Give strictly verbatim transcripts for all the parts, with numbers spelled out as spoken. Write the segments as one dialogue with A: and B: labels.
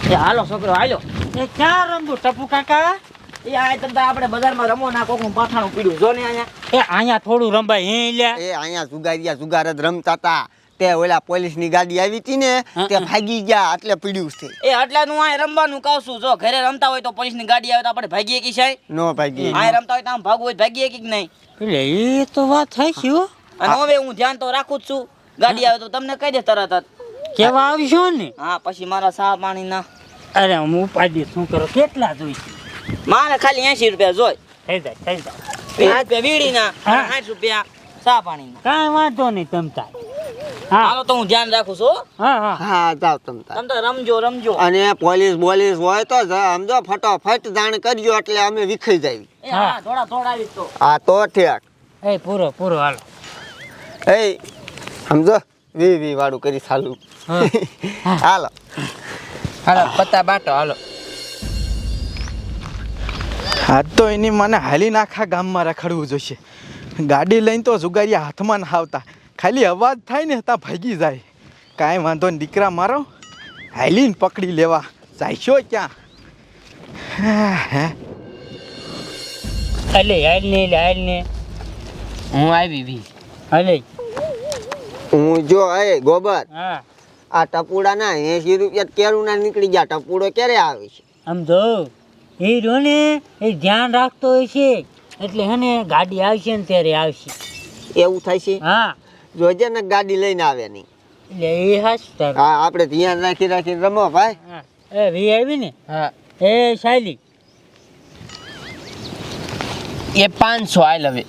A: એ હાલો છોકરો હાલો.
B: એ ક્યાં રમવું ટપુ કાકા?
A: એ આ તમ આપણે બજારમાં રમો ના કોકનું પાથાણું પીડ્યું જો ને અહીંયા.
B: એ અહીંયા થોડું રંબાય હે લ્યા.
C: એ અહીંયા જુગારિયા જુગાર જ રમતા હતા. તે ઓલા પોલીસની ગાડી આવી હતી ને તે ભાગી ગયા એટલે પીડ્યું છે.
A: એ આટલાનું આ રમવાનું કહું છું. જો ઘરે રમતા હોય તો પોલીસની ગાડી આવે તો આપણે ભાગીએ કે સાહેબ?
C: નો ભાગી.
A: આ રમતા હોય તો આમ ભાગવું હોય ભાગીએ કે નહીં?
B: એટલે એ તો વાત થઈ છે હો.
A: અને હવે હું ધ્યાન તો રાખું જ છું. ગાડી આવે તો તમને કહી દે તરત જ.
B: કેવા આવશો ને?
A: હા પછી મારા સા પાણી ના.
B: અરે હું ઉપાડી શું કરો કેટલા જોઈશે?
A: મારે ખાલી એસી રૂપિયા જોઈ.
B: થઈ જાય થઈ જાય.
A: સાઠ રૂપિયા વીડીના સાઠ રૂપિયા સા પાણીના.
B: કાંઈ વાંધો નહીં તમ તાર.
A: હાલો તો હું ધ્યાન રાખું છું.
B: હા હા
C: હા જાવ તમ તાર.
A: તમે તો રમજો રમજો.
C: અને પોલીસ બોલીસ હોય તો સમજો ફટોફટ જાણ કરજો એટલે અમે વિખાઈ જાવી.
A: એ હા થોડા થોડા આવી તો.
C: આ તો ઠેક.
B: એ પૂરો પૂરો હાલો.
C: એ સમજો વી વી વાળું કરી ચાલુ. હાલો
D: હાલો પત્તા બાટો હાલો.
E: આજ તો એની મને હાલીને આખા ગામમાં રખડવું જોઈશે. ગાડી લઈને તો જુગારિયા હાથમાં ના આવતા, ખાલી અવાજ થાય ને ત્યાં ભાગી જાય. કાંઈ વાંધો ને દીકરા મારો હાલીને પકડી લેવા જાયશો ક્યાં? હે
B: અલે હાલ ને એટલે હાલ ને
D: હું આવી ભી.
B: અલે
C: હું જો એ ગોબર
B: હા
C: આ ટપુડા ના એસી રૂપિયા કેળું ના નીકળી ગયા. ટપુડો ક્યારે આવે છે?
B: આમ જો એ રહ્યો ને એ ધ્યાન રાખતો હોય છે એટલે હે ને ગાડી આવશે ને ત્યારે આવશે.
C: એવું થાય છે?
B: હા
C: જોજે ને ગાડી લઈને આવે નહીં.
B: એટલે એ હાસ તાર.
C: હા આપણે ધ્યાન રાખી રાખીને રમો ભાઈ.
B: હા એ વી આવી ને.
D: હા
B: એ શાયલી
D: એ પાંચસો આઈ હવે.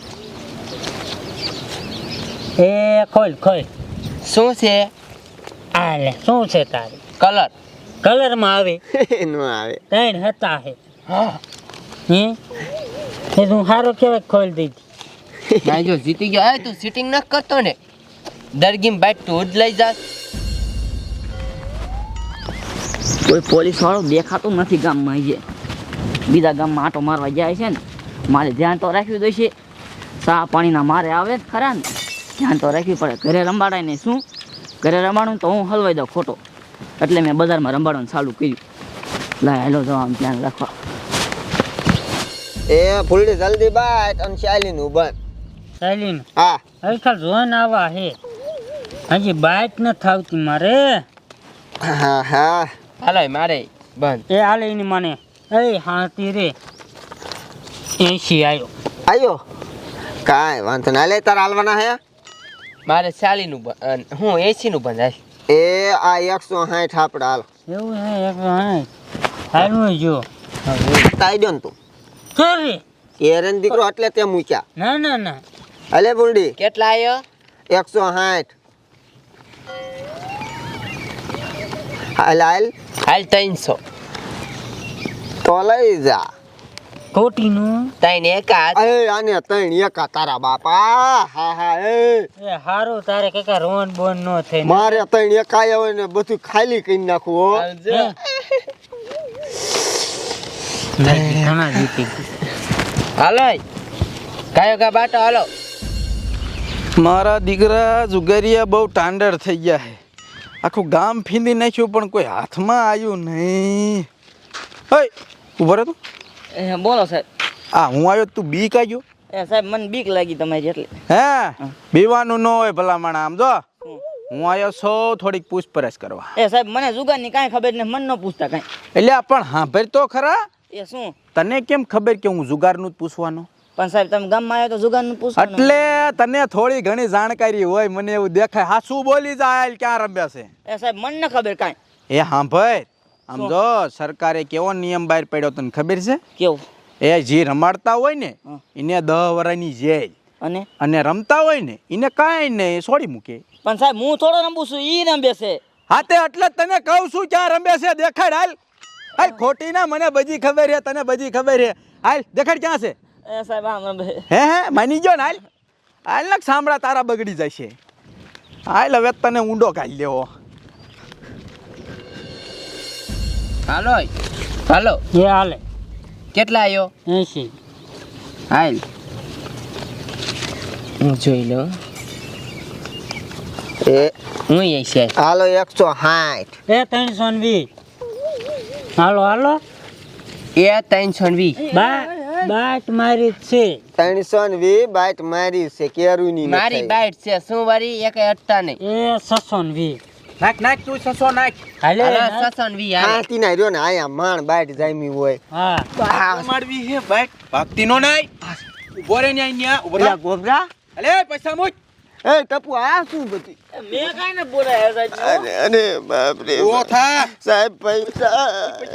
B: એ ખોલ ખોલ.
D: શું છે?
B: આ લે શું છે તારે?
D: કલર.
B: કલરમાં આવે
C: નો આવે.
B: ત્રણ હતા હે.
D: હા
B: હે એ તું સારો કેવાય ખોલ દીધી.
D: ભાઈ જો જીતી ગયો. એ તું સીટિંગ ન કરતો ને દરગીમ બાઈટ તું જ લઈ જા.
A: કોઈ પોલીસ વાળો દેખાતું નથી ગામમાં. જે બીજા ગામમાં આટો મારવા જાય છે ને મારે ધ્યાન તો રાખવું જોઈશે. સા પાણીના મારે આવે જ ખરા ને ધ્યાન તો રાખવી પડે. ઘરે રંબાડાય ને શું ઘરે રમાડું તો હું હલવાઈ દઉં ખોટો એટલે મેં બજારમાં રંબાડવાનું ચાલુ કર્યું. લાય હેલો જો આમ ધ્યાન રાખવા.
C: એ ફૂલડી જલ્દી બાટ અને શાયલીનું બંધ.
B: શાયલી
C: હા
B: હવે ખાલી જોન આવા હે હજી બાઇક ન થાવતી મારે.
C: હા હા
D: હાલો મારે બંધ.
B: એ હાલે એની મને એ હાથી રે એસી આવ્યો.
C: આયો કાંઈ વાંધો ના. લે તાર હાલવાના હે?
D: મારે ચાલીનું બંધ હું એસીનું બંધ હાલ.
C: એ આ એકસો સાઠ આપણે હાલ
B: એવું હે એક હા હાલવું જો
C: તાઈ દો ને તું
B: કરે.
C: એરન દીકરો એટલે તે મૂક્યા.
B: ના ના ના
C: અલે ફૂલડી
D: કેટલા આવ્યો?
C: એકસો સાઠ હાલ હાલ
D: હાલ ત્રણસો.
C: તો લઈ જા.
B: ખોટીનું
D: ત્રણ એક હાથ.
C: એ આને ત્રણ એકા તારા બાપા. હા હા એ
B: એ હારું તારે કાકા રોન બોન નો થઈ
C: મારે ત્રણ એકા હોય ને બધું ખાલી કરી નાખવું હો.
D: આવજો.
B: ઘણા જીતી
D: હાલો કાયો કા બાટો હાલો.
E: મારા દીકરા જુગારિયા બહુ ટાંડર થઈ ગયા છે. આખું ગામ ફીંદી નાખ્યું પણ કોઈ હાથમાં આવ્યું નહીં. હે ઉભો રહે તું.
A: એ બોલો સાહેબ.
E: આ હું આવ્યો તું બી કાઢ્યો.
A: એ સાહેબ મને બીક લાગી તમારી એટલે.
E: હે બીવાનું ન હોય ભલામણ. આમ જો હું આવ્યો છો થોડીક પૂછપરછ કરવા.
A: એ સાહેબ મને જુગારની કાંઈ ખબર ને મન ન પૂછતા કાંઈ.
E: એટલે આ પણ સાંભળ તો ખરા.
A: એ શું
E: તને કેમ ખબર કે હું જુગારનું જ પૂછવાનું?
A: પણ સાહેબ તમે ગામમાં આવ્યો તો જુગારનું પૂછો.
E: એટલે તને થોડી ઘણી જાણકારી હોય મને એવું દેખાય. હા શું બોલી જાય ક્યાં રમ્યા છે?
A: એ સાહેબ મને ન ખબર કાંઈ.
E: એ સાંભળ આમ જો સરકારે કેવો નિયમ બહાર પાડ્યો તને ખબર છે?
A: કેવું?
E: એ જે રમાડતા હોય ને એને દસ વર્ષની જેલ
A: અને
E: અને રમતા હોય ને એને કાંઈ નહીં છોડી મૂકે.
A: પણ સાહેબ હું થોડો રમું છું ઈ રમે છે.
E: હા તે એટલે તને કહું છું ક્યાં રમે છે દેખાડ. હાલ હાલ ખોટી ના મને બધી ખબર છે તને બધી ખબર છે. હાલ દેખાડ ક્યાં છે?
A: એ સાહેબ આમ રમે.
E: હે હે માની ગયો ને. હાલ હાલ ને સાંભળા તારા બગડી જાય છે. હાલ હવે તને ઊંડો કાઢી લેવો.
D: હાલો હાલો
B: એ હાલે
D: કેટલા આવ્યો?
B: એસી.
D: હાલ હું જોઈ લો.
C: એ
D: હું એસી.
C: હાલો એકસો સાઠ.
B: એ ત્રણસો ને વીસ. હાલો હાલો
D: એ ત્રણસો વી
B: બા બાટ મારી જ છે
C: ત્રણસો ને વી બાઈટ મારી છે કેરુની
D: મારી બાઈટ છે શું વારી એક અટ્ટા નહીં
B: એ છસો ને વી
E: નાખ નાખ તું સસો નાખ
B: હાલે
D: હાલો છસો વી હાલો
C: હાથી ના રહ્યો ને આયા માણ બાઈટ જામી હોય
B: હા
E: મારવી હે બાઈક ભાગતી નો નાય ઉભો રે ન્યા ન્યા ઉભો
C: ઓલા ગોબરા
E: અલે પૈસા મુજ
C: એ ટપુ આ શું બધી
A: મેં કાંઈ ને બોલાયા હતા
C: અરે અરે બાપ રે
E: ઓ થા
C: સાહેબ પૈસા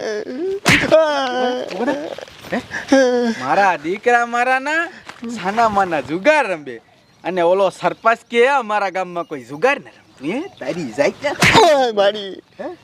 E: મારા દીકરા મારા ના સાના માના જુગાર રમે અને ઓલો સરપંચ કે અમારા ગામમાં કોઈ જુગાર ન રમતું હે તારી જાય
C: ઓય મારી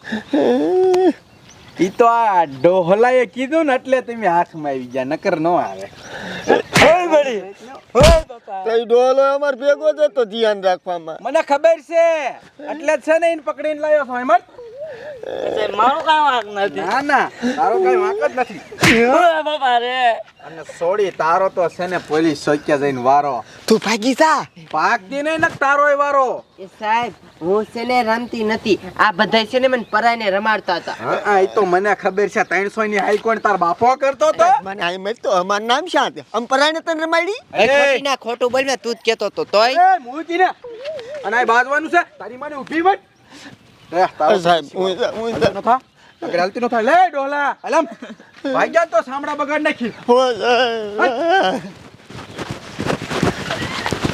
E: ઈ તો આ ડોહલાએ કીધું ને એટલે તમે હાથમાં આવી ગયા નકર ન આવે ઓય બડી
C: તઈ ડોલો અમાર ભેગો જ તો ધ્યાન રાખવામાં
E: મને ખબર છે એટલે જ છે ને એને પકડીને લાવ્યો છો હેમંત
A: મારું કાંઈ વાંક નથી
E: ના ના તારો કઈ વાંક જ નથી
A: ઓય બાપા રે
E: અને સોડી તારો તો છે ને પોલીસ ચોક્યા જઈને વારો
C: તું ભાગી જા
E: પાકતી નહીં ને તારોય વારો
D: એ સાહેબ હું છે ને રમતી નથી આ બધા છે ને મને પરાઈને રમાડતા હતા
E: હા એ તો મને ખબર છે ત્રણસો ની હાઈ કોણ તાર બાપો કરતો તો
C: મને આઈ મત તો અમાર નામ શા છે અંપરાને તને રમાડી
D: એ ખોટી ના ખોટું બોલ તું જ કેતો તો તોય
E: એ મૂકી ને અને આ બાજવાનું છે તારી માને ઊભી વટ રે તારો
C: સાહેબ હું હું
E: ન થા અગર હાલતી ન થા લે ડોલા અલમ ભાઈ જા તો સામડા બગાડ નાખી
C: હો સાહેબ